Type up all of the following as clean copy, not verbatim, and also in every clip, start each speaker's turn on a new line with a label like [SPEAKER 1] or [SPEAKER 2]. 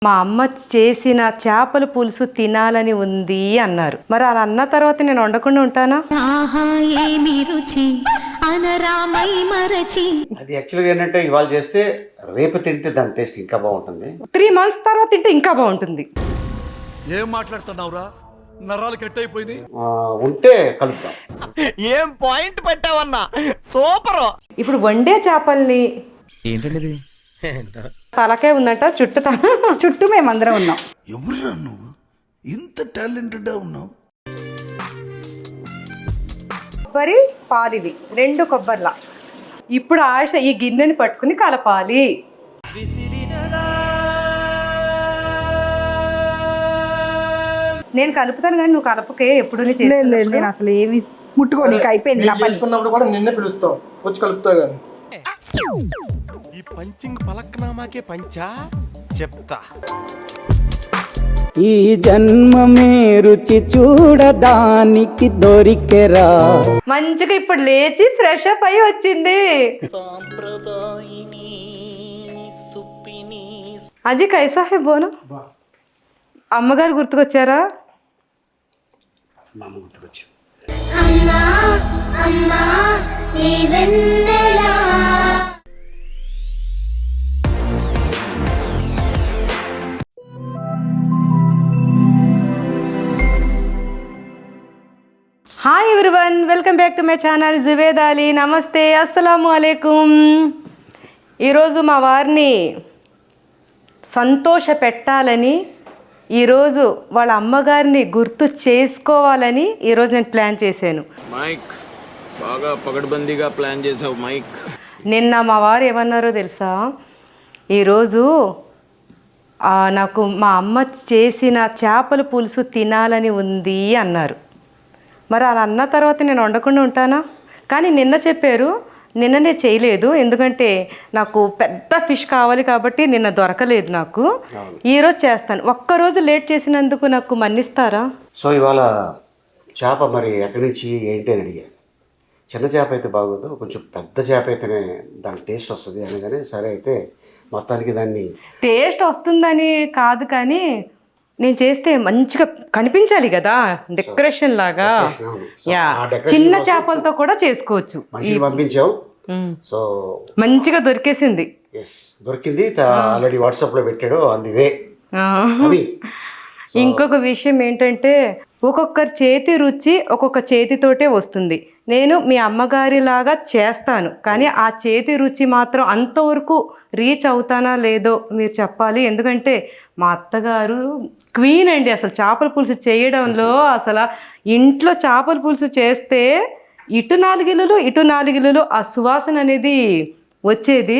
[SPEAKER 1] మా అమ్మ చేసిన చేపల పులుసు తినాలని ఉంది అన్నారు. మరి అలా అన్న తర్వాత నేను వండకుండా ఉంటానా?
[SPEAKER 2] అది యాక్చువల్గా ఏంటంటే ఇవాళ చేస్తే రేపు తింటే దాని టేస్ట్ ఇంకా బాగుంటుంది.
[SPEAKER 1] 3 months తర్వాత తింటే ఇంకా బాగుంటుంది.
[SPEAKER 3] ఏం మాట్లాడుతున్నావురా? నరాలు కట్ అయిపోయింది.
[SPEAKER 2] ఉంటే కలుపుతాం.
[SPEAKER 4] ఏం పాయింట్ పెట్టావన్నా, సూపర్.
[SPEAKER 1] ఇప్పుడు వండే చేపల్ని
[SPEAKER 4] ఏంటండి
[SPEAKER 1] తలకే ఉందంట,
[SPEAKER 5] చుట్టూ మేమందరం ఉన్నాం.
[SPEAKER 3] ఎవరురా నువ్వు ఇంత టాలెంటెడ్ ఉన్నావు?
[SPEAKER 1] కొబ్బరి పాలివి 2 కొబ్బర్లా. ఇప్పుడు ఆశ ఈ గిన్నెని పట్టుకుని కలపాలి. నేను కలుపుతాను కానీ నువ్వు కలపకే. ఎప్పుడు
[SPEAKER 5] లేదు, నేను అసలు ఏమి ముట్టుకోనికి అయిపోయింది.
[SPEAKER 6] చేసుకున్నప్పుడు కూడా నిన్నే పిలుస్తాం, వచ్చి కలుపుతావు కానీ.
[SPEAKER 4] ఈ పంచింగ్ పలక్నామాకే పంచా చెప్తా.
[SPEAKER 7] ఈ జన్మమే రుచి చూడడానికి దొరికెరా.
[SPEAKER 1] మంచిగా ఇప్పుడు లేచి ఫ్రెష్ అప్ అయి వచ్చింది. అజీ కైసా హై బోను? అమ్మగారు గుర్తుకొచ్చారా?
[SPEAKER 2] మా అమ్మ గుర్తుకొచ్చింది.
[SPEAKER 1] Hi everyone, welcome back to my channel Juved Ali. నమస్తే, అస్సలాము అలైకుమ్. ఈరోజు మా వారిని సంతోష పెట్టాలని, ఈరోజు వాళ్ళ అమ్మగారిని గుర్తు చేసుకోవాలని ఈరోజు నేను ప్లాన్ చేశాను.
[SPEAKER 8] మైక్ బాగా పగడ్బందీగా ప్లాన్ చేసావు మైక్.
[SPEAKER 1] నిన్న మా వారు ఏమన్నారో తెలుసా? ఈరోజు నాకు మా అమ్మ చేసిన చేపల పులుసు తినాలని ఉంది అన్నారు. మరి అలా అన్న తర్వాత నేను వండకుండా ఉంటానా? కానీ నిన్న చెప్పారు, నిన్ననే చేయలేదు. ఎందుకంటే నాకు పెద్ద ఫిష్ కావాలి కాబట్టి నిన్న దొరకలేదు నాకు. ఈరోజు చేస్తాను. ఒక్కరోజు లేట్ చేసినందుకు నాకు మన్నిస్తారా?
[SPEAKER 2] సో ఇవాళ చేప మరి ఎక్కడి నుంచి ఏంటి అని అడిగా. చిన్న చేప అయితే బాగోదు, కొంచెం పెద్ద చేప అయితేనే దాని టేస్ట్ వస్తుంది అనగానే సరే అయితే మొత్తానికి దాన్ని
[SPEAKER 1] టేస్ట్ వస్తుందని కాదు, కానీ నేను చేస్తే మంచిగా కనిపించాలి కదా, డెకరేషన్ లాగా. యా, చిన్న చేపలతో కూడా చేసుకోవచ్చు.
[SPEAKER 2] పంపించావు, సో
[SPEAKER 1] మంచిగా దొరికేసింది.
[SPEAKER 2] ఎస్, దొరికింది. ఆల్రెడీ వాట్సాప్లో పెట్టాడు, ఆన్ ది వే.
[SPEAKER 1] ఇంకొక విషయం ఏంటంటే, ఒక్కొక్కరి చేతి రుచి ఒక్కొక్క చేతితోటే వస్తుంది. నేను మీ అమ్మగారి లాగా చేస్తాను, కానీ ఆ చేతి రుచి మాత్రం అంతవరకు రీచ్ అవుతానా లేదో మీరు చెప్పాలి. ఎందుకంటే మా అత్తగారు క్వీన్ అండి. అసలు చేపల పులుసు చేయడంలో అసలు ఇంట్లో చేపల పులుసు చేస్తే ఇటు 4 ఇల్లులు ఇటు 4 ఇల్లులు ఆ సువాసన అనేది వచ్చేది.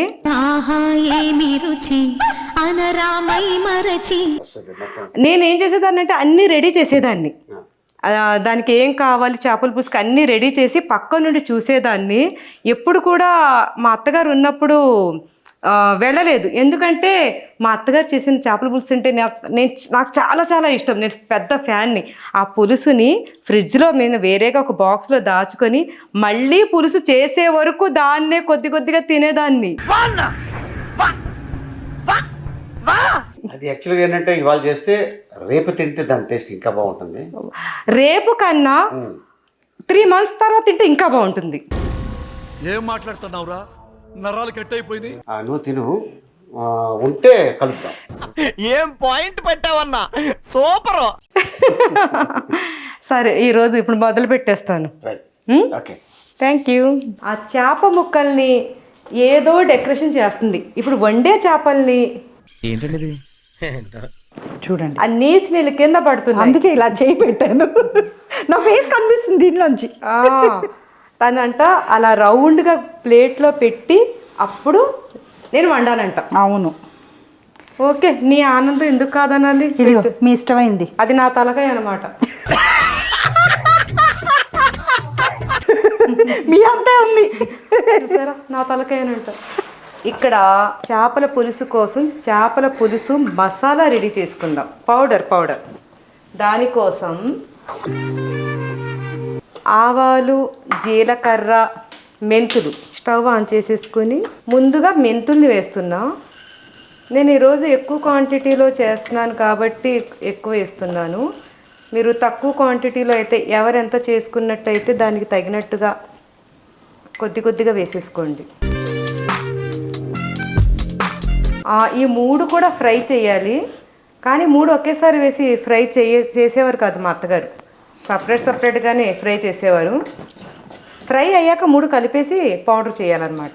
[SPEAKER 1] నేనేం చేసేదాన్ని అంటే అన్నీ రెడీ చేసేదాన్ని. దానికి ఏం కావాలి, చేపల పులుసుకి అన్నీ రెడీ చేసి పక్క నుండి చూసేదాన్ని. ఎప్పుడు కూడా మా అత్తగారు ఉన్నప్పుడు వెళ్ళలేదు. ఎందుకంటే మా అత్తగారు చేసిన చేపల పులుసు అంటే నాకు చాలా చాలా ఇష్టం. నేను పెద్ద ఫ్యాన్ని. ఆ పులుసుని ఫ్రిడ్జ్లో నేను వేరేగా ఒక బాక్స్లో దాచుకొని మళ్ళీ పులుసు చేసే వరకు దాన్నే కొద్ది కొద్దిగా తినేదాన్ని.
[SPEAKER 2] అది యాక్చువల్గా ఏంటంటే ఇవాళ చేస్తే రేపు తింటే దాని టేస్ట్ ఇంకా బాగుంటుంది.
[SPEAKER 1] రేపు కన్నా 3 months తర్వాత తింటే ఇంకా బాగుంటుంది.
[SPEAKER 3] ఏం మాట్లాడుతున్నావురా? నరాలు కట్ అయిపోయింది.
[SPEAKER 2] నువ్వు తిను, ఉంటే కలుపుతాం.
[SPEAKER 4] ఏం పాయింట్ పెట్టావన్నా, సూపర్.
[SPEAKER 1] సరే, ఈరోజు ఇప్పుడు మొదలు పెట్టేస్తాను.
[SPEAKER 2] Okay,
[SPEAKER 1] thank you. ఆ చేప ముక్కల్ని ఏదో డెకరేషన్ చేస్తుంది. ఇప్పుడు వండే చేపల్ని
[SPEAKER 4] ఏంటండి
[SPEAKER 5] చూడండి,
[SPEAKER 1] ఆ నీసి నీళ్ళు కింద పడుతుంది.
[SPEAKER 5] అందుకే ఇలా చేయి పెట్టాను. నా ఫేస్ కనిపిస్తుంది దీనిలోంచి.
[SPEAKER 1] తనంట అలా రౌండ్గా ప్లేట్లో పెట్టి అప్పుడు నేను వండాలంట.
[SPEAKER 5] అవును,
[SPEAKER 1] ఓకే, నీ ఆనందం ఎందుకు కాదనాలి?
[SPEAKER 5] మీ ఇష్టమైంది.
[SPEAKER 1] అది నా తలకాయ అనమాట.
[SPEAKER 5] మీ అంతే ఉంది,
[SPEAKER 1] చూసారా, నా తలకాయనంట. ఇక్కడ చేపల పులుసు కోసం చేపల పులుసు మసాలా రెడీ చేసుకుందాం. పౌడర్ దానికోసం ఆవాలు, జీలకర్ర, మెంతులు స్టవ్ ఆన్ చేసేసుకొని ముందుగా మెంతుల్ని వేస్తున్నా. నేను ఈరోజు ఎక్కువ క్వాంటిటీలో చేస్తున్నాను కాబట్టి ఎక్కువ వేస్తున్నాను. మీరు తక్కువ క్వాంటిటీలో అయితే ఎవరెంత చేసుకున్నట్టయితే దానికి తగినట్టుగా కొద్దిగా వేసేసుకోండి. ఈ 3 కూడా ఫ్రై చేయాలి, కానీ 3 ఒకేసారి వేసి ఫ్రై చేసేవారు కాదు మా అత్తగారు. సపరేట్గానే ఫ్రై చేసేవారు. ఫ్రై అయ్యాక 3 కలిపేసి పౌడర్ చేయాలన్నమాట.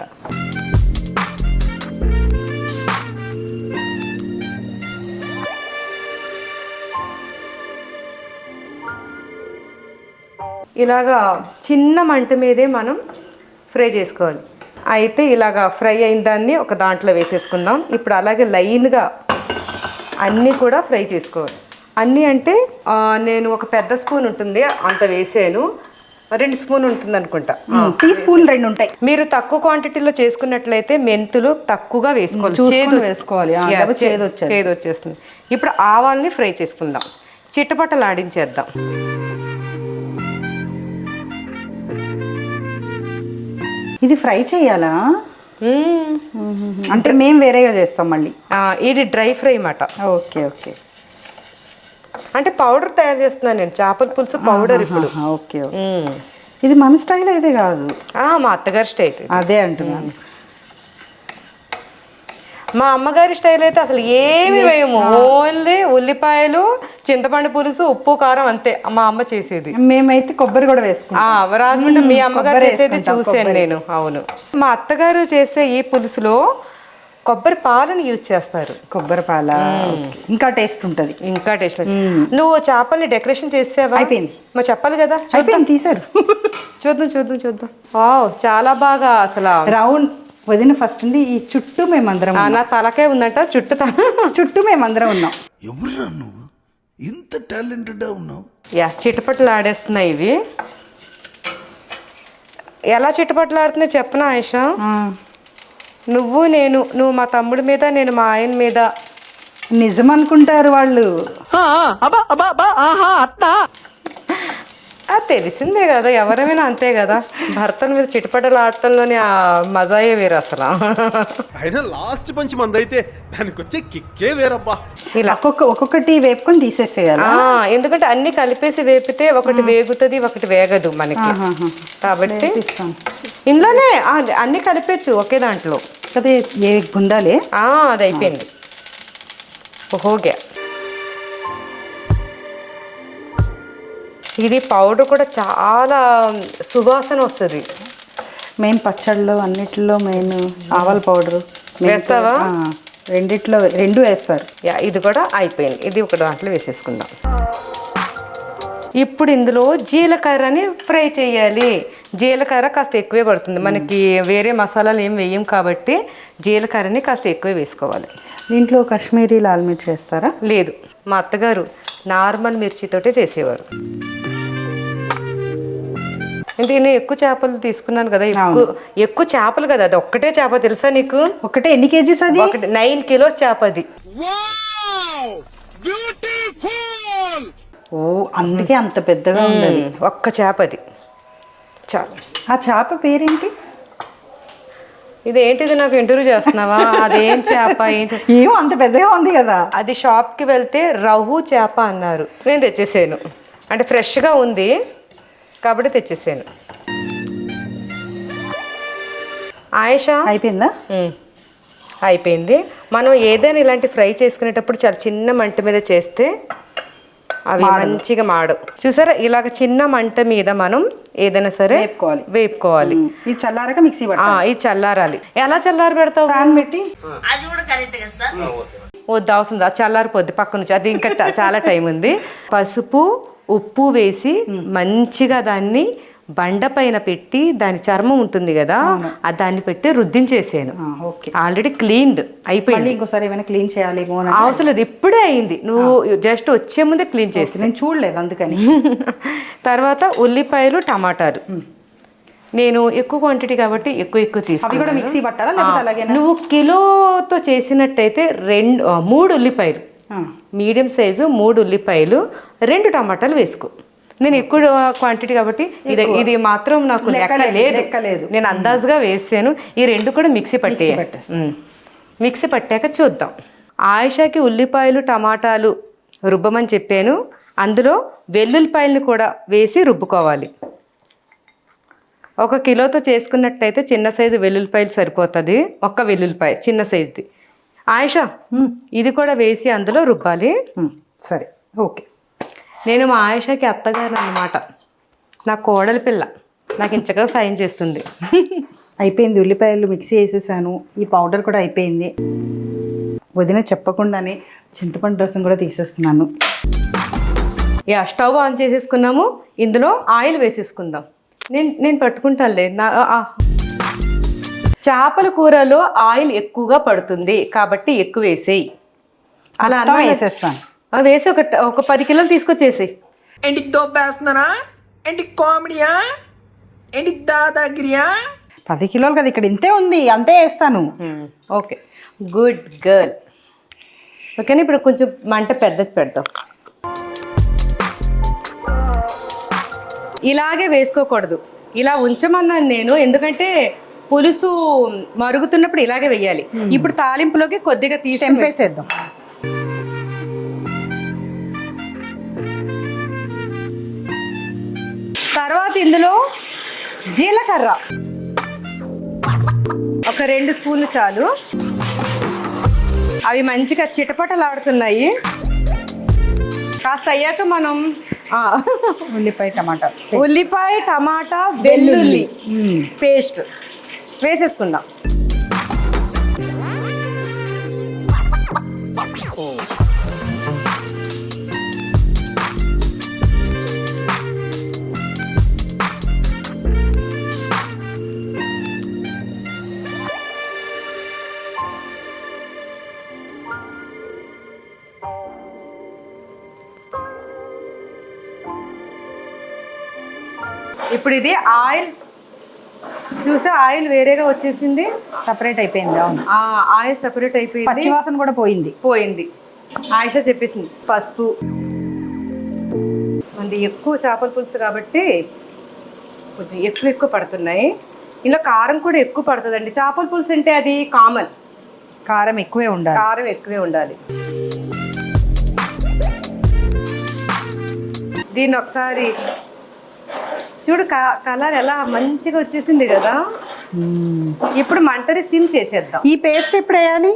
[SPEAKER 1] ఇలాగా చిన్న మంట మీదే మనం ఫ్రై చేసుకోవాలి. అయితే ఇలాగా ఫ్రై అయిన దాన్ని ఒక దాంట్లో వేసేసుకుందాం. ఇప్పుడు అలాగే లైన్గా అన్నీ కూడా ఫ్రై చేసుకోవాలి. అన్నీ అంటే నేను ఒక పెద్ద స్పూన్ ఉంటుంది అంత వేసాను, 2 స్పూన్ ఉంటుంది అనుకుంటా.
[SPEAKER 5] టీ స్పూన్ 2 ఉంటాయి.
[SPEAKER 1] మీరు తక్కువ క్వాంటిటీలో చేసుకున్నట్లయితే మెంతులు తక్కువగా వేసుకోవాలి.
[SPEAKER 5] వేసుకోవాలి,
[SPEAKER 1] చేదు వచ్చేస్తుంది. ఇప్పుడు ఆవాల్ని ఫ్రై చేసుకుందాం, చిట్టపట్టలు ఆడించేద్దాం.
[SPEAKER 5] ఇది ఫ్రై చేయాలా? అంటే మేము వేరేగా చేస్తాం మళ్ళీ.
[SPEAKER 1] ఇది డ్రై ఫ్రై మాట.
[SPEAKER 5] Okay okay.
[SPEAKER 1] అంటే పౌడర్ తయారు చేస్తున్నాను నేను, చేపల పులుసు పౌడర్. ఇప్పుడు
[SPEAKER 5] ఓకే. ఇది మన స్టైల్ అయితే కాదు,
[SPEAKER 1] మా అత్తగారి స్టైల్.
[SPEAKER 5] అదే అంటున్నాను.
[SPEAKER 1] మా అమ్మగారి స్టైల్ అయితే అసలు ఏమి వేయము, ఓన్లీ ఉల్లిపాయలు, చింతపండు పులుసు, ఉప్పు, కారం అంతే మా అమ్మ చేసేది.
[SPEAKER 5] మేమైతే కొబ్బరి కూడా వేసుకుంటాం.
[SPEAKER 1] రాజమండ్రి మీ అమ్మగారు చేసేది చూసాను నేను. అవును, మా అత్తగారు చేసే ఈ పులుసులో కొబ్బరి పాలను యూజ్ చేస్తారు.
[SPEAKER 5] కొబ్బరి పాల ఇంకా టేస్ట్ ఉంటుంది.
[SPEAKER 1] ఇంకా టేస్ట్. నువ్వు చేపల్ని డెకరేషన్ చేసావా?
[SPEAKER 5] అయిపోయింది.
[SPEAKER 1] మరి చెప్పాలి కదా.
[SPEAKER 5] అయిపోయింది, తీసారు.
[SPEAKER 1] చూద్దాం. చాలా బాగా అసలు
[SPEAKER 5] రౌండ్ వదిన ఫస్ట్ ఉంది. ఈ చుట్టూ మేమందరం,
[SPEAKER 1] నా తలకే ఉందంట,
[SPEAKER 5] చుట్టూ మేమందరం ఉన్నాం.
[SPEAKER 3] ఎవరురా నువ్వు ఇంత టాలెంటెడ్ ఉన్నావు?
[SPEAKER 1] చిటపట్లు ఆడేస్తున్నాయి ఇవి. ఎలా చిటపట్లు ఆడుతున్నాయి చెప్పనా ఆయిషా? నువ్వు మా తమ్ముడి మీద, నేను మా ఆయన మీద.
[SPEAKER 5] నిజం అనుకుంటారు వాళ్ళు.
[SPEAKER 1] తెలిసిందే కదా, ఎవరైనా అంతే కదా. భర్తల మీద చిటపటలు ఆడటంలోనే ఆ మజాయే వేరు అసలు.
[SPEAKER 4] అయినా లాస్ట్ పంచి మంది అయితే దానికి వచ్చే కిక్కే వేరబ్బా.
[SPEAKER 1] ఇలా
[SPEAKER 5] ఒక్కొక్కటి వేపుకొని తీసేసేయాలి.
[SPEAKER 1] ఎందుకంటే అన్ని కలిపేసి వేపితే ఒకటి వేగుతుంది, ఒకటి వేగదు మనకి. కాబట్టి ఇందులోనే అన్ని కలిపేచ్చు ఒకే దాంట్లో.
[SPEAKER 5] అదే ఏ గుందాలే.
[SPEAKER 1] అది అయిపోయింది. ఓకే. ఇది పౌడర్ కూడా చాలా సువాసన వస్తుంది.
[SPEAKER 5] మెయిన్ పచ్చళ్ళు అన్నిటిలో మెయిన్ ఆవాల పౌడరు
[SPEAKER 1] వేస్తావా?
[SPEAKER 5] రెండిట్లో 2 వేస్తారు.
[SPEAKER 1] ఇది కూడా అయిపోయింది. ఇది ఒక దాంట్లో వేసేసుకుందాం. ఇప్పుడు ఇందులో జీలకర్రని ఫ్రై చేయాలి. జీలకర్ర కాస్త ఎక్కువే పడుతుంది మనకి, వేరే మసాలాలు ఏం వేయం కాబట్టి జీలకర్రని కాస్త ఎక్కువే వేసుకోవాలి.
[SPEAKER 5] దీంట్లో కాశ్మీరీ లాల్ మిర్చి వేస్తారా?
[SPEAKER 1] లేదు, మా అత్తగారు నార్మల్ మిర్చితోటే చేసేవారు. నేను ఎక్కువ చేపలు తీసుకున్నాను కదా, ఎక్కువ చేపలు కదా. అది ఒక్కటే చేప తెలుసా నీకు?
[SPEAKER 5] ఒకటే ఎన్ని కేజీస్ అది?
[SPEAKER 1] 9 కిలోస్ చేప అది.
[SPEAKER 5] ఓ, అందుకే అంత పెద్దగా ఉంది.
[SPEAKER 1] ఒక్క చేప అది చాలు.
[SPEAKER 5] ఆ చేప పేరేంటి?
[SPEAKER 1] ఇదేంటిది, నాకు ఇంటర్వ్యూ చేస్తున్నావా? అదేం చేప?
[SPEAKER 5] ఏమో అంత పెద్దగా ఉంది కదా.
[SPEAKER 1] అది షాప్కి వెళ్తే రహు చేప అన్నారు. నేను తెచ్చేసాను, అంటే ఫ్రెష్గా ఉంది కాబట్టి తెచ్చేసాను. ఆయిషా
[SPEAKER 5] అయిపోయిందా?
[SPEAKER 1] అయిపోయింది. మనం ఏదైనా ఇలాంటి ఫ్రై చేసుకునేటప్పుడు చాలా చిన్న మంట మీద చేస్తే అవి మంచిగా మాడవు. చూసారా, ఇలాగ చిన్న మంట మీద మనం ఏదైనా సరే వేపుకోవాలి.
[SPEAKER 5] ఇది చల్లారాక మిక్సీ పట్టాలి.
[SPEAKER 1] ఇది చల్లారాలి. ఎలా చల్లారి పెడతావు?
[SPEAKER 5] ప్యాన్ పెట్టి.
[SPEAKER 1] వద్దు, అవసరం లేదు, చల్లారిపోద్ది పక్క నుంచి. అది ఇంకా చాలా టైం ఉంది. పసుపు, ఉప్పు వేసి మంచిగా దాన్ని బండ పైన పెట్టి, దాని చర్మం ఉంటుంది కదా, దాన్ని పెట్టి రుద్దించేసాను. ఆల్రెడీ క్లీన్డ్ అయిపోయింది.
[SPEAKER 5] ఇంకోసారి ఏమైనా క్లీన్ చేయాలేమో
[SPEAKER 1] అవసరం లేదు, ఇప్పుడే అయింది. నువ్వు జస్ట్ వచ్చే ముందే క్లీన్ చేసి.
[SPEAKER 5] నేను చూడలేదు అందుకని.
[SPEAKER 1] తర్వాత ఉల్లిపాయలు, టమాటాలు. నేను ఎక్కువ క్వాంటిటీ కాబట్టి ఎక్కువ తీసుకున్నాను.
[SPEAKER 5] మిక్సీ పట్టాలా?
[SPEAKER 1] నువ్వు కిలోతో చేసినట్టయితే 3 ఉల్లిపాయలు, మీడియం సైజు 3 ఉల్లిపాయలు, 2 టమాటాలు వేసుకో. నేను ఎక్కువ క్వాంటిటీ కాబట్టి ఇది మాత్రం నాకు లెక్క లేదు. నేను అందాజుగా వేసాను. ఈ 2 కూడా మిక్సీ పట్టేయాలి. మిక్సీ పట్టాక చూద్దాం. ఆయిషాకి ఉల్లిపాయలు టమాటాలు రుబ్బమని చెప్పాను. అందులో వెల్లుల్లిపాయలను కూడా వేసి రుబ్బుకోవాలి. 1 కిలోతో చేసుకున్నట్టయితే చిన్న సైజు వెల్లుల్లిపాయలు సరిపోతుంది. 1 వెల్లుల్లిపాయ చిన్న సైజుది. ఆయిషా ఇది కూడా వేసి అందులో రుబ్బాలి.
[SPEAKER 5] సరే, ఓకే.
[SPEAKER 1] నేను మా ఆయిషాకి అత్తగారు అన్నమాట. నా కోడలి పిల్ల నాకు ఇంచగా సాయం చేస్తుంది.
[SPEAKER 5] అయిపోయింది, ఉల్లిపాయలు మిక్సీ వేసేసాను. ఈ పౌడర్ కూడా అయిపోయింది. వదిన చెప్పకుండానే చింతపండు రసం కూడా తీసేస్తున్నాను.
[SPEAKER 1] స్టవ్ ఆన్ చేసేసుకున్నాము. ఇందులో ఆయిల్ వేసేసుకుందాం. నేను పట్టుకుంటానులే. చేపల కూరలో ఆయిల్ ఎక్కువగా పడుతుంది కాబట్టి ఎక్కువ వేసేయి. అలా అన్న
[SPEAKER 5] వేసేస్తాను.
[SPEAKER 1] వేసి ఒక 10 కిలోలు తీసుకొచ్చేసి.
[SPEAKER 9] ఏంటి తోపేస్తున్నారా? ఏంటి కామెడీయా? ఏంటి దాదాగిరియా?
[SPEAKER 5] 10 కిలోలు కదా, ఇక్కడ ఇంతే ఉంది, అంతే వేస్తాను.
[SPEAKER 1] Okay, good girl. ఓకేనా? ఇప్పుడు కొంచెం మంట పెద్దది పెడతాం. ఇలాగే వేసుకోకూడదు, ఇలా ఉంచమన్నాను నేను. ఎందుకంటే పులుసు మరుగుతున్నప్పుడు ఇలాగే వేయాలి. ఇప్పుడు తాలింపులోకి కొద్దిగా తీసి
[SPEAKER 5] తెంపేసేద్దాం.
[SPEAKER 1] తర్వాత ఇందులో జీలకర్ర ఒక 2 స్పూన్లు చాలు. అవి మంచిగా చిటపటలాడుతున్నాయి. కాస్త అయ్యాక మనం ఉల్లిపాయ టమాటా వెల్లుల్లి పేస్ట్ వేసేసుకుందాం. ఇప్పుడు ఇది ఆయిల్ చూసా, ఆయిల్ వేరేగా వచ్చేసింది,
[SPEAKER 5] సపరేట్ అయిపోయింది. అవును,
[SPEAKER 1] ఆయిల్ సపరేట్ అయిపోయింది.
[SPEAKER 5] పచ్చివాసన కూడా పోయింది.
[SPEAKER 1] ఆయిషా చెప్పేసింది. పసుపు, మనది ఎక్కువ చేపల పులుసు కాబట్టి కొంచెం ఎక్కువ పడుతున్నాయి. ఇందులో కారం కూడా ఎక్కువ పడుతుందండి. చేపల పులుసు అంటే అది కామన్,
[SPEAKER 5] కారం ఎక్కువే
[SPEAKER 1] ఉండాలి. దీన్ని ఒకసారి చూడు, కలర్ ఎలా మంచిగా వచ్చేసింది కదా. ఇప్పుడు మంటని సిమ్ చేసేద్దాం.
[SPEAKER 5] ఈ పేస్ట్ ఎప్పుడు వేయాలి?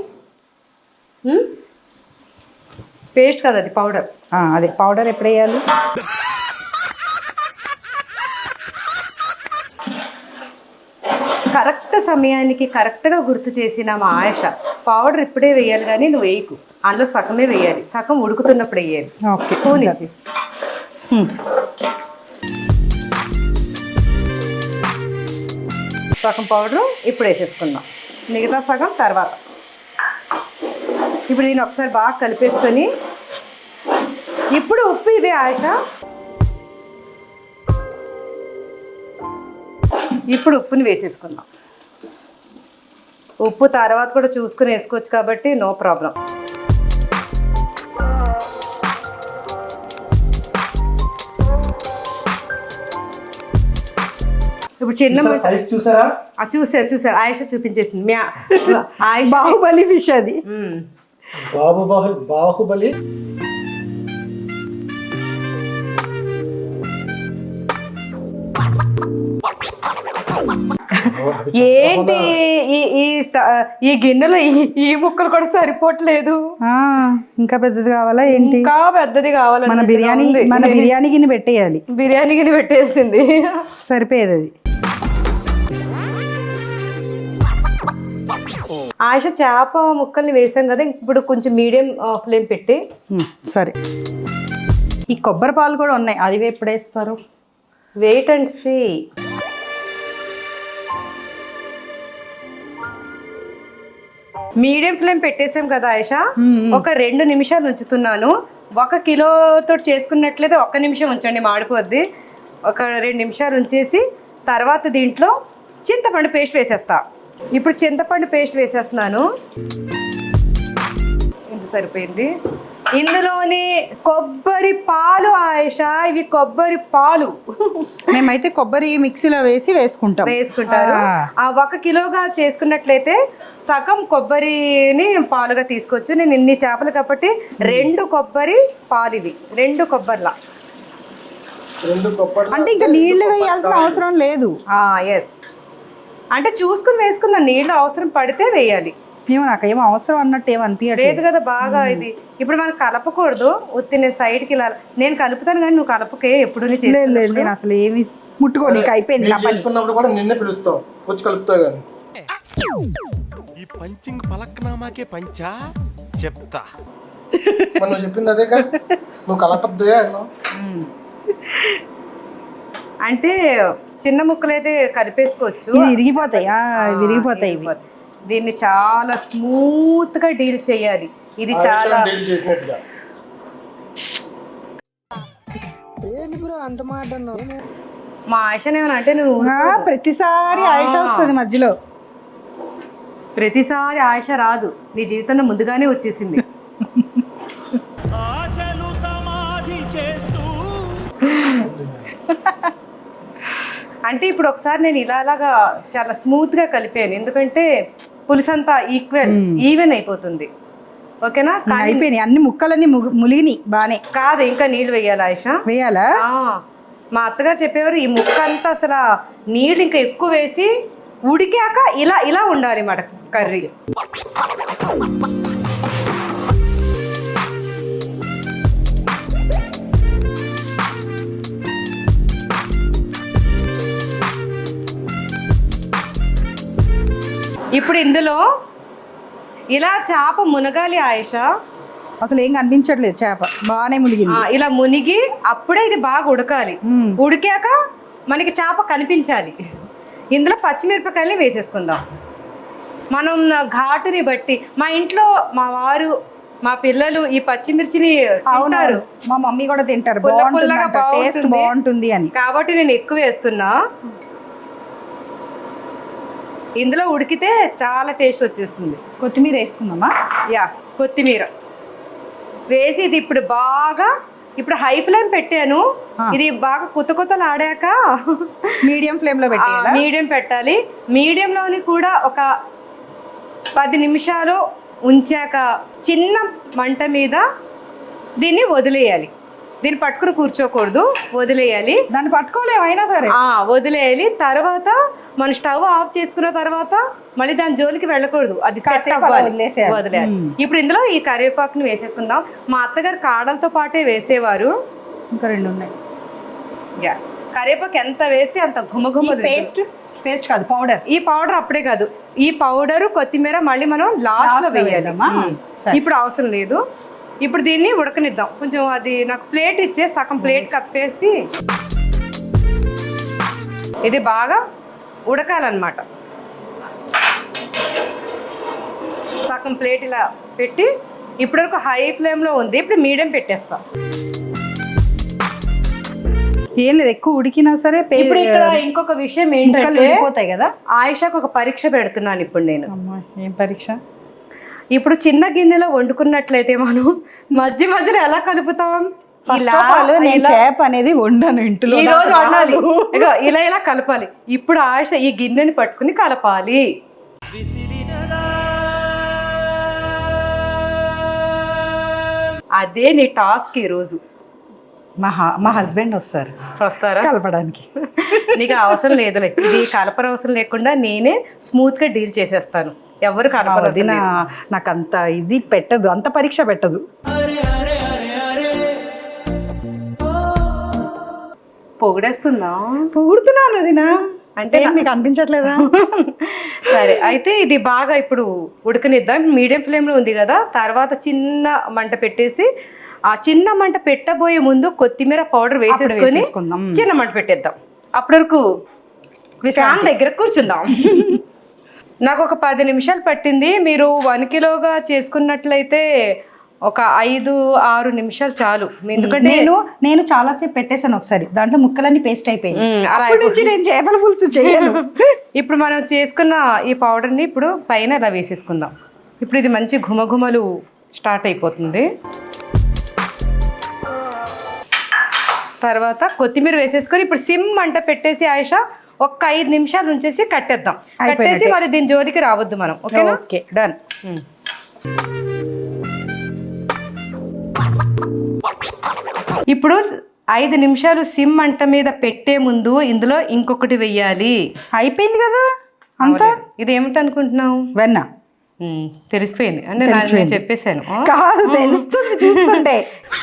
[SPEAKER 1] పేస్ట్ కదా, అది పౌడర్.
[SPEAKER 5] అదే పౌడర్ ఎప్పుడు వేయాలి?
[SPEAKER 1] కరెక్ట్ సమయానికి కరెక్ట్గా గుర్తు చేసిన మా ఆయిష, పౌడర్ ఇప్పుడే వేయాలి కానీ నువ్వు వేయకు, అందులో సగమే వేయాలి, సగం ఉడుకుతున్నప్పుడు వేయాలి. స్పూన్ ఇచ్చి సగం పౌడరు ఇప్పుడు వేసేసుకుందాం, మిగతా సగం తర్వాత. ఇప్పుడు దీన్ని ఒకసారి బాగా కలిపేసుకొని, ఇప్పుడు ఉప్పు ఇవే ఆయిష. ఇప్పుడు ఉప్పుని వేసేసుకుందాం. ఉప్పు తర్వాత కూడా చూసుకుని వేసుకోవచ్చు కాబట్టి నో ప్రాబ్లం. ఇప్పుడు చిన్న
[SPEAKER 6] సైజ్ చూసారా?
[SPEAKER 1] చూసారు ఆయిష చూపించేసింది. ఆయిష
[SPEAKER 5] బాహుబలి ఫిష్ అది.
[SPEAKER 6] బాహుబలి.
[SPEAKER 1] ఏంటి ఈ గిన్నెలో ఈ ముక్కలు కూడా సరిపోవట్లేదు.
[SPEAKER 5] ఇంకా పెద్దది కావాలా ఏంటి?
[SPEAKER 1] ఇంకా పెద్దది కావాలి.
[SPEAKER 5] మన బిర్యానీ గిన్నె పెట్టేయాలి.
[SPEAKER 1] బిర్యానీ గిన్నె పెట్టేసింది,
[SPEAKER 5] సరిపోయేది అది.
[SPEAKER 1] ఆయిష చేప ముక్కల్ని వేసాం కదా, ఇప్పుడు కొంచెం మీడియం ఫ్లేమ్ పెట్టి.
[SPEAKER 5] సరే, ఈ కొబ్బరి పాలు కూడా ఉన్నాయి, అది ఎప్పుడు వేస్తారు?
[SPEAKER 1] Wait and see. Medium flame పెట్టేసాం కదా ఆయిష, ఒక 2 నిమిషాలు ఉంచుతున్నాను. 1 కిలోతో చేసుకున్నట్లయితే 1 నిమిషం ఉంచండి, మాడిపోద్ది. ఒక 2 నిమిషాలు ఉంచేసి తర్వాత దీంట్లో చింతపండు పేస్ట్ వేసేస్తా. ఇప్పుడు చింతపండు పేస్ట్ వేసేస్తున్నాను. ఇంత సరిపోయింది. ఇందులోని కొబ్బరి పాలు ఆయేష, ఇవి కొబ్బరి పాలు
[SPEAKER 5] మేమైతే కొబ్బరి మిక్సీలో వేసుకుంటాం.
[SPEAKER 1] వేసుకుంటారు. ఆ 1 కిలోగా చేసుకున్నట్లయితే సగం కొబ్బరిని పాలుగా తీసుకోవచ్చు. నేను ఇన్ని చేపలు కాబట్టి 2 కొబ్బరి పాలు, ఇవి 2 కొబ్బరిలా.
[SPEAKER 6] 2 కొబ్బరి
[SPEAKER 5] అంటే ఇంకా నీళ్లు వేయాల్సిన అవసరం లేదు.
[SPEAKER 1] ఎస్, అంటే చూసుకుని వేసుకుందాం, నీళ్ళు అవసరం పడితే వేయాలి.
[SPEAKER 5] నాకేం అవసరం అన్నట్టు ఏం అనిపించలేదు.
[SPEAKER 1] లేదు కదా బాగా. ఇది ఇప్పుడు మనం కలపకూడదు, ఉత్తి నేను సైడ్కి ఇలా నేను కలుపుతాను కానీ నువ్వు కలపకే ఎప్పుడు.
[SPEAKER 5] లేదు, నేను అసలు ఏమి ముట్టుకోనికి అయిపోయింది.
[SPEAKER 6] చేసుకున్నప్పుడు కూడా నిన్నే పిలుస్తాం, వచ్చి కలుపుతావు కానీ.
[SPEAKER 4] ఈ పంచింగ్ పలక్నామాకే పంచా చెప్తా.
[SPEAKER 6] మనం చెప్పింది అదేగా, నువ్వు కలపద్దే అన్నావు.
[SPEAKER 1] అంటే చిన్న ముక్కలు అయితే కలిపేసుకోవచ్చు,
[SPEAKER 5] విరిగిపోతాయి ఇవి.
[SPEAKER 1] దీన్ని చాలా స్మూత్ గా డీల్ చేయాలి. ఇది చాలా
[SPEAKER 6] డీల్ చేసినట్టుగా.
[SPEAKER 1] మా ఆయిషని ఏమన్నా అంటే నువ్వు
[SPEAKER 5] ప్రతిసారి ఆయిష వస్తుంది మధ్యలో.
[SPEAKER 1] ప్రతిసారి ఆయిష రాదు, నీ జీవితంలో ముందుగానే వచ్చేసింది. అంటే ఇప్పుడు ఒకసారి నేను ఇలాగా చాలా స్మూత్ గా కలిపాను, ఎందుకంటే పులుసు అంతా ఈవెన్ అయిపోతుంది. ఓకేనా?
[SPEAKER 5] అయిపోయినాయి అన్ని ముక్కలన్నీ ములిగినాయి బానే.
[SPEAKER 1] కాదు, ఇంకా నీళ్ళు వేయాలి ఆయిష.
[SPEAKER 5] వేయాలా?
[SPEAKER 1] మా అత్తగారు చెప్పేవారు ఈ ముక్క అంతా అసలు నీళ్ళు ఇంకా ఎక్కువ వేసి ఉడికాక ఇలా ఇలా ఉండాలి మాట కర్రీ. ఇప్పుడు ఇందులో ఇలా చేప మునగాలి ఆయిష.
[SPEAKER 5] అసలు ఏం కనిపించట్లేదు, చేప బాగానే మునిగింది.
[SPEAKER 1] ఇలా మునిగి అప్పుడే ఇది బాగా ఉడకాలి. ఉడికాక మనకి చేప కనిపించాలి. ఇందులో పచ్చిమిరపకాయలు వేసేసుకుందాం. మనం ఘాటుని బట్టి, మా ఇంట్లో మా వారు మా పిల్లలు ఈ పచ్చిమిర్చిని తింటారు,
[SPEAKER 5] మా మమ్మీ కూడా తింటారు, టేస్ట్ బాగుంటుంది అని.
[SPEAKER 1] కాబట్టి నేను ఎక్కువ వేస్తున్నా. ఇందులో ఉడికితే చాలా టేస్ట్ వచ్చేస్తుంది.
[SPEAKER 5] కొత్తిమీర వేసుకుందామా?
[SPEAKER 1] యా, కొత్తిమీర వేసి ఇది ఇప్పుడు బాగా, ఇప్పుడు హై ఫ్లేమ్ పెట్టాను, ఇది బాగా కొత్తలు ఆడాక
[SPEAKER 5] మీడియం ఫ్లేమ్ లో పెట్టాలి.
[SPEAKER 1] మీడియం పెట్టాలి. మీడియంలోని కూడా ఒక 10 నిమిషాలు ఉంచాక చిన్న మంట మీద దీన్ని వదిలేయాలి. దీన్ని పట్టుకుని కూర్చోకూడదు, వదిలేయాలి.
[SPEAKER 5] దాన్ని పట్టుకోలేమైనా సరే
[SPEAKER 1] వదిలేయాలి. తర్వాత మనం స్టవ్ ఆఫ్ చేసుకున్న తర్వాత మళ్ళీ దాని జోలికి వెళ్ళకూడదు, అది సెట్ అవ్వాలి, వదిలేయాలి. ఇప్పుడు ఇందులో ఈ కరివేపాకుని వేసేసుకుందాం. మా అత్తగారు కాడలతో పాటే వేసేవారు.
[SPEAKER 5] ఇంకా 2 ఉన్నాయి.
[SPEAKER 1] యా, కరివేపాకు ఎంత వేస్తే అంత ఘుమఘుమ.
[SPEAKER 5] పేస్ట్ కాదు, పౌడర్.
[SPEAKER 1] ఈ పౌడర్ అప్పుడే కాదు, ఈ పౌడర్ కొత్తిమీర మళ్ళీ మనం లాస్ట్ లో వేయాలి. ఇప్పుడు అవసరం లేదు. ఇప్పుడు దీన్ని ఉడకనిద్దాం. కొంచెం అది నాకు ప్లేట్ ఇచ్చే, సగం ప్లేట్ కప్పేసి ఇది బాగా ఉడకాలన్నమాట. సగం ప్లేట్ ఇలా పెట్టి, ఇప్పటివరకు హై ఫ్లేమ్లో ఉంది, ఇప్పుడు మీడియం పెట్టేస్తాం.
[SPEAKER 5] ఏం లేదు, ఎక్కువ ఉడికినా సరే.
[SPEAKER 1] ఇప్పుడు ఇక్కడ ఇంకొక విషయం ఏంటంటే
[SPEAKER 5] పోతాయి కదా,
[SPEAKER 1] ఆయిషాకు ఒక పరీక్ష పెడుతున్నాను ఇప్పుడు నేను.
[SPEAKER 5] ఏం పరీక్ష?
[SPEAKER 1] ఇప్పుడు చిన్న గిన్నెలో వండుకున్నట్లయితే మనం మధ్యలో ఎలా కలుపుతాం?
[SPEAKER 5] నేను చేప అనేది వండాను ఇంట్లో,
[SPEAKER 1] ఈ రోజు వండాలి. ఇలా ఇలా కలపాలి. ఇప్పుడు ఆయిష ఈ గిన్నెని పట్టుకుని కలపాలి. అదే నీ టాస్క్ ఈ రోజు.
[SPEAKER 5] మా హస్బెండ్ వస్తారా కలపడానికి?
[SPEAKER 1] నీకు అవసరం లేదులే, ఇది కలపనవసరం లేకుండా నేనే స్మూత్ గా డీల్ చేసేస్తాను. ఎవరు కలపదు.
[SPEAKER 5] నాకు అంత ఇది పెట్టదు, అంత పరీక్ష పెట్టదు. పొగుడుతున్నాను అదినా, అంటే మీకు అనిపించట్లేదా?
[SPEAKER 1] సరే, అయితే ఇది బాగా ఇప్పుడు ఉడకనిద్దాం. మీడియం ఫ్లేమ్లో ఉంది కదా, తర్వాత చిన్న మంట పెట్టేసి, ఆ చిన్న మంట పెట్టబోయే ముందు కొత్తిమీర పౌడర్ వేసేసుకొని చిన్న మంట పెట్టేద్దాం. అప్పటి వరకు ఫ్యాన్ దగ్గర కూర్చుందాం. నాకు ఒక 10 నిమిషాలు పట్టింది. మీరు 1 కిలోగా చేసుకున్నట్లయితే ఒక 5-6 నిమిషాలు చాలు. ఎందుకంటే
[SPEAKER 5] నేను చాలాసేపు పెట్టేశాను ఒకసారి, దాంట్లో ముక్కలన్నీ పేస్ట్ అయిపోయింది. నేను చేపల పులుసు చేయను.
[SPEAKER 1] ఇప్పుడు మనం చేసుకున్న ఈ పౌడర్ని ఇప్పుడు పైన ఇలా వేసేసుకుందాం. ఇప్పుడు ఇది మంచి ఘుమఘుమలు స్టార్ట్ అయిపోతుంది. తర్వాత కొత్తిమీర వేసేసుకొని ఇప్పుడు సిమ్ మంట పెట్టేసి ఆయిష ఒక్క 5 నిమిషాలు ఉంచేసి కట్టేద్దాం. కట్టేసి మరి దీని జోలికి రావద్దు మనం. ఓకేనా?
[SPEAKER 5] Okay done.
[SPEAKER 1] ఇప్పుడు 5 నిమిషాలు సిమ్ మంట మీద పెట్టే ముందు ఇందులో ఇంకొకటి వెయ్యాలి.
[SPEAKER 5] అయిపోయింది కదా అంతా.
[SPEAKER 1] ఇది ఏమిటి అనుకుంటున్నావు?
[SPEAKER 5] వెన్న.
[SPEAKER 1] తెలిసిపోయింది అంటే నేను చెప్పేశాను.
[SPEAKER 5] కాదు, తెలుస్తుంది చూస్తుంటే.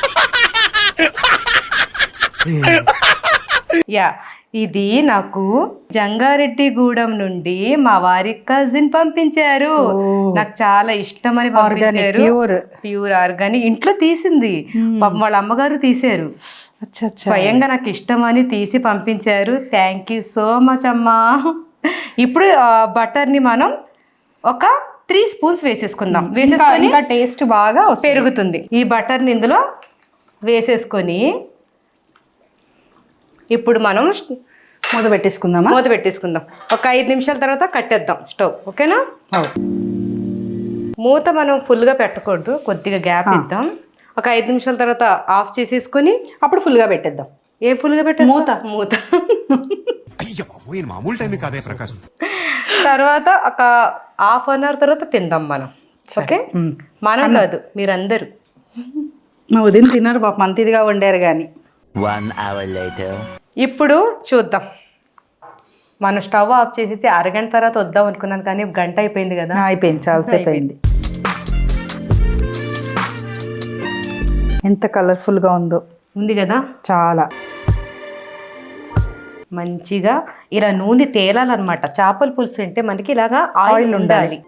[SPEAKER 1] యా, ఇది నాకు జంగారెడ్డిగూడెం నుండి మా వారి కజిన్ పంపించారు. నాకు చాలా ఇష్టమని పంపించారు. ప్యూర్ ఆర్గానిక్, ఇంట్లో తీసింది. పాపం వాళ్ళ అమ్మగారు తీశారు. స్వయంగా నాకు ఇష్టమని తీసి పంపించారు. థ్యాంక్ యూ సో మచ్ అమ్మా. ఇప్పుడు బటర్ని మనం ఒక 3 స్పూన్స్ వేసేసుకుందాం. వేసేసుకొని
[SPEAKER 5] ఇంకా టేస్ట్ బాగా
[SPEAKER 1] పెరుగుతుంది. ఈ బటర్ని ఇందులో వేసేసుకొని ఇప్పుడు మనం
[SPEAKER 5] మూత పెట్టేసుకుందామా?
[SPEAKER 1] మూత పెట్టేసుకుందాం. ఒక 5 నిమిషాల తర్వాత కట్టేద్దాం స్టవ్. ఓకేనా? మూత మనం ఫుల్గా పెట్టకూడదు, కొద్దిగా గ్యాప్ ఇద్దాం. ఒక 5 నిమిషాల తర్వాత ఆఫ్ చేసేసుకొని
[SPEAKER 5] అప్పుడు ఫుల్గా పెట్టేద్దాం.
[SPEAKER 1] ఏం ఫుల్గా పెట్టేస్తాం? మూత
[SPEAKER 4] మామూలు టైం కాదే ప్రకాశం.
[SPEAKER 1] తర్వాత ఒక ½ అన్ అవర్ తర్వాత తిందాం మనం. ఓకే? మనం కాదు, మీరందరూ.
[SPEAKER 5] మా ఉదయం తిన్నారు పాపం, అంత ఇదిగా వండారు కానీ.
[SPEAKER 7] 1 hour later.
[SPEAKER 1] ఇప్పుడు చూద్దాం. మనం స్టవ్ ఆఫ్ చేసేసి అరగంట తర్వాత వద్దాం అనుకున్నాను కానీ గంట అయిపోయింది కదా.
[SPEAKER 5] అయిపోయింది, చాలాసేపు అయింది. ఎంత కలర్ఫుల్గా ఉందో.
[SPEAKER 1] ఉంది కదా,
[SPEAKER 5] చాలా
[SPEAKER 1] మంచిగా ఇలా నూనె తేలాలన్నమాట. చేపల పులుసు అంటే మనకి ఇలాగా ఆయిల్ ఉండాలి.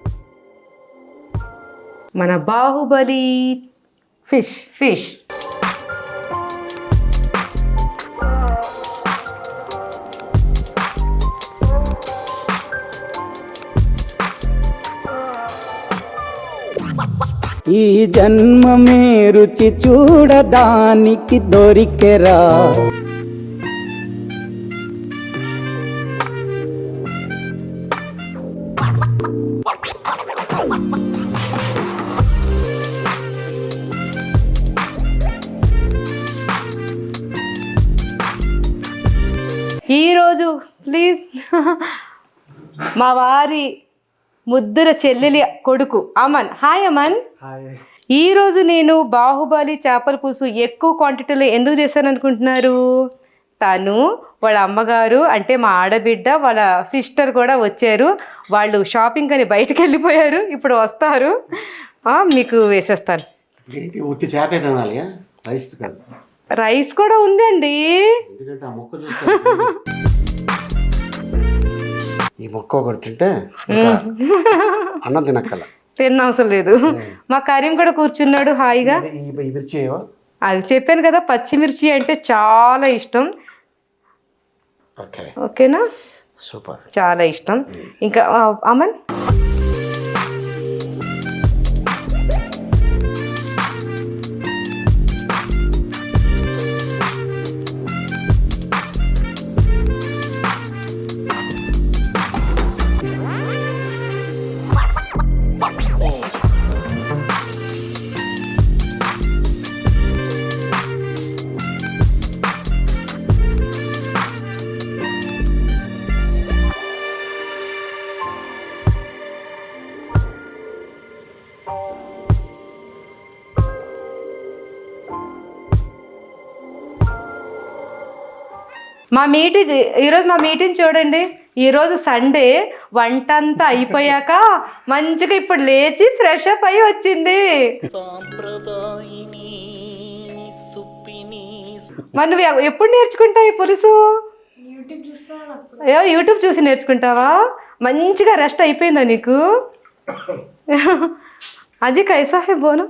[SPEAKER 1] మన బాహుబలి ఫిష్
[SPEAKER 7] ఈ జన్మమే రుచి చూడడానికి దొరికెరా.
[SPEAKER 1] ఈరోజు ప్లీజ్ మా వారి ముద్దుల చెల్లెలి కొడుకు అమన్. హాయ్ అమన్. ఈరోజు నేను బాహుబలి చేపల పులుసు ఎక్కువ క్వాంటిటీలో ఎందుకు చేశాను అనుకుంటున్నారు? తను, వాళ్ళ అమ్మగారు అంటే మా ఆడబిడ్డ, వాళ్ళ సిస్టర్ కూడా వచ్చారు. వాళ్ళు షాపింగ్ అని బయటకు వెళ్ళిపోయారు, ఇప్పుడు వస్తారు. మీకు వేసేస్తాను.
[SPEAKER 2] ఏంటి ఉత్తి చేపే తినాలి, రైస్ కాదు?
[SPEAKER 1] రైస్ కూడా ఉందండి.
[SPEAKER 2] ఎందుకంటే ఆ మొక్క చూస్తే ఈ మొక్క ఒకటి తింటే అన్నం తినక్కల,
[SPEAKER 1] తిన్న అవసరం లేదు. మా కరీం కూడా కూర్చున్నాడు హాయిగా.
[SPEAKER 2] ఈ మిర్చి ఏవో
[SPEAKER 1] అది చెప్పాను కదా, పచ్చిమిర్చి అంటే చాలా ఇష్టం. ఓకేనా?
[SPEAKER 2] సూపర్,
[SPEAKER 1] చాలా ఇష్టం. ఇంకా అమన్ ఈరోజు మా మీటింగ్ చూడండి. ఈరోజు సండే, వంట అంతా అయిపోయాక మంచిగా ఇప్పుడు లేచి ఫ్రెష్ అప్ అయ్యి వచ్చింది. మరి నువ్వు ఎప్పుడు నేర్చుకుంటావు ఈ పులుసు? యూట్యూబ్ చూసి నేర్చుకుంటావా? మంచిగా రెస్ట్ అయిపోయిందా నీకు? అజీ కైసా హై బోను.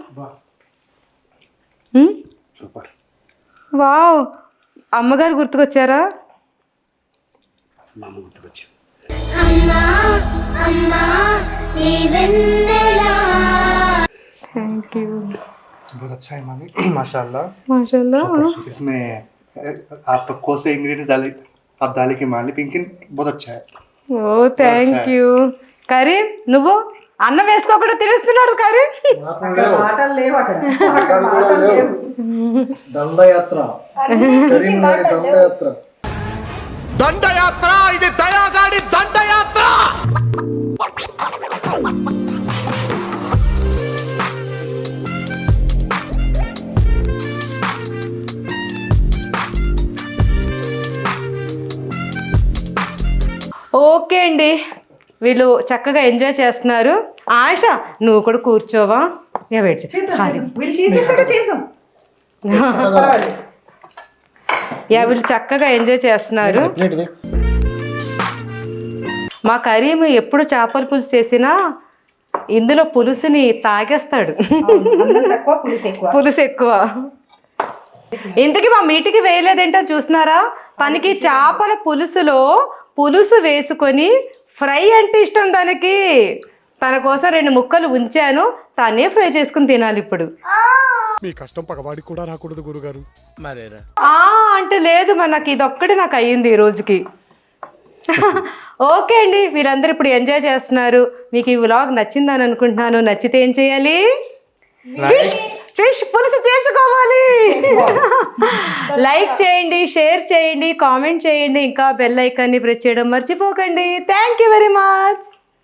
[SPEAKER 1] వావ్, అమ్మగారు గుర్తుకొచ్చారా?
[SPEAKER 2] మా అమ్మ గుర్తుకొచ్చింది.
[SPEAKER 1] Thank you.
[SPEAKER 6] बहुत अच्छा है मामी, माशाल्लाह
[SPEAKER 1] माशाल्लाह.
[SPEAKER 6] इसमें आप कौन से इंग्रेडिएंट्स डाले, आप डाले के मालिक लेकिन बहुत अच्छा है.
[SPEAKER 1] ఓ థ్యాంక్ యూ. కరీం, నువ్వు అన్నం వేసుకోకుండా తినేస్తున్నాడు కరీం.
[SPEAKER 6] దండయాత్ర
[SPEAKER 4] దండయాత్ర ఇది దయాగాడి దండయాత్ర.
[SPEAKER 1] ఓకే అండి, వీళ్ళు చక్కగా ఎంజాయ్ చేస్తున్నారు. ఆశ నువ్వు కూడా కూర్చోవా? వెయిట్
[SPEAKER 5] వీళ్ళు చేసేసాక చేద్దాం.
[SPEAKER 1] వీళ్ళు చక్కగా ఎంజాయ్ చేస్తున్నారు. మా కరీం ఎప్పుడు చేపల పులుసు చేసినా ఇందులో పులుసుని తాగేస్తాడు.
[SPEAKER 5] తక్కువ పులుసు ఎక్కువ.
[SPEAKER 1] పులుసు ఎక్కువ. ఇంతకీ మా మీటికి వేయలేదేంటో చూస్తున్నారా? తనకి చేపల పులుసులో పులుసు వేసుకొని ఫ్రై అంటే ఇష్టం దానికి. తన కోసం 2 ముక్కలు ఉంచాను, తనే ఫ్రై చేసుకుని తినాలి ఇప్పుడు.
[SPEAKER 4] మీ కష్టం పగవాడికి కూడా రాకూడదు గురుగారు. మరేరా
[SPEAKER 1] అంటే లేదు, మనకి ఇదొక్కటి నాకు అయ్యింది ఈ రోజుకి. ఓకే అండి, వీళ్ళందరూ ఇప్పుడు ఎంజాయ్ చేస్తున్నారు. మీకు ఈ వ్లాగ్ నచ్చిందని అనుకుంటున్నాను. నచ్చితే ఏం చేయాలి? ఫిష్ పులుసు చేసుకోవాలి. లైక్ చేయండి, షేర్ చేయండి, కామెంట్ చేయండి, ఇంకా బెల్ ఐకాన్ని ప్రెస్ చేయడం మర్చిపోకండి. Thank you very much.